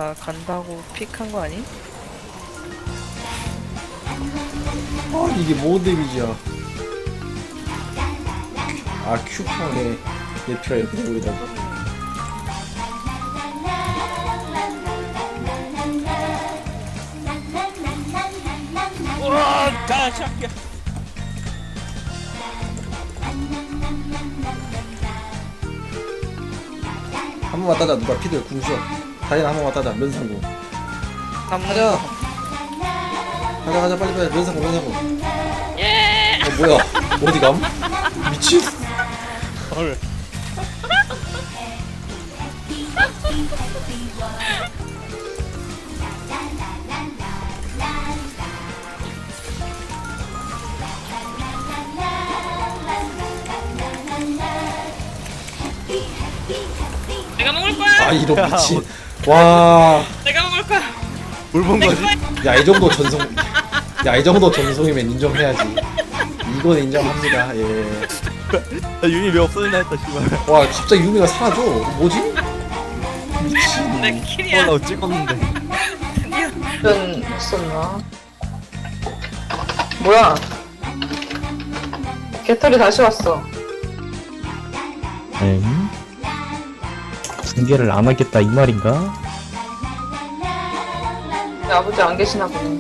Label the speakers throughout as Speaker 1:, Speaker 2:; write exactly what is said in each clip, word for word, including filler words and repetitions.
Speaker 1: 나 간다고 픽한 거 아니?
Speaker 2: 아 이게 뭔 데미지야. 아 큐팡에 내 피가 이렇게 되고 있다고.
Speaker 3: 우와 다 잡게.
Speaker 2: 한 번만 따자. 누가 피들 궁쇼. 다이나 한 번만 따자. 면상고.
Speaker 1: 남는
Speaker 2: 가자.
Speaker 1: 거.
Speaker 2: 가자 가자 빨리 빨리. 면상고 면상고. 예. 어 뭐야? 어디 감? 미친.
Speaker 3: 헐.
Speaker 1: 내가 먹을 거야.
Speaker 2: 아 이런 미친. 와.
Speaker 1: 내가 먹을 거야.
Speaker 3: 물본 거지?
Speaker 2: 야 이 정도 전송. 야 이 정도 전송이면 인정해야지. 이건 인정합니다. 예.
Speaker 3: 나 윤이 왜 없어졌나 했다 씨발.
Speaker 2: 와 갑자기 유미가 사라져. 뭐지? 미친.
Speaker 1: 내 킬이야.
Speaker 3: 나 찍었는데.
Speaker 4: 이런 있었나? 뭐야? 개털이 다시 왔어.
Speaker 5: 엥? 중계를 안 하겠다 이 말인가?
Speaker 4: 내 아버지 안 계시나 보네.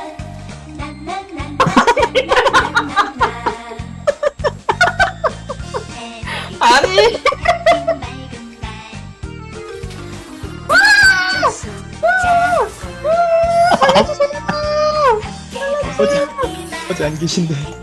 Speaker 4: 아니!
Speaker 5: 어제 어제 안 계신데.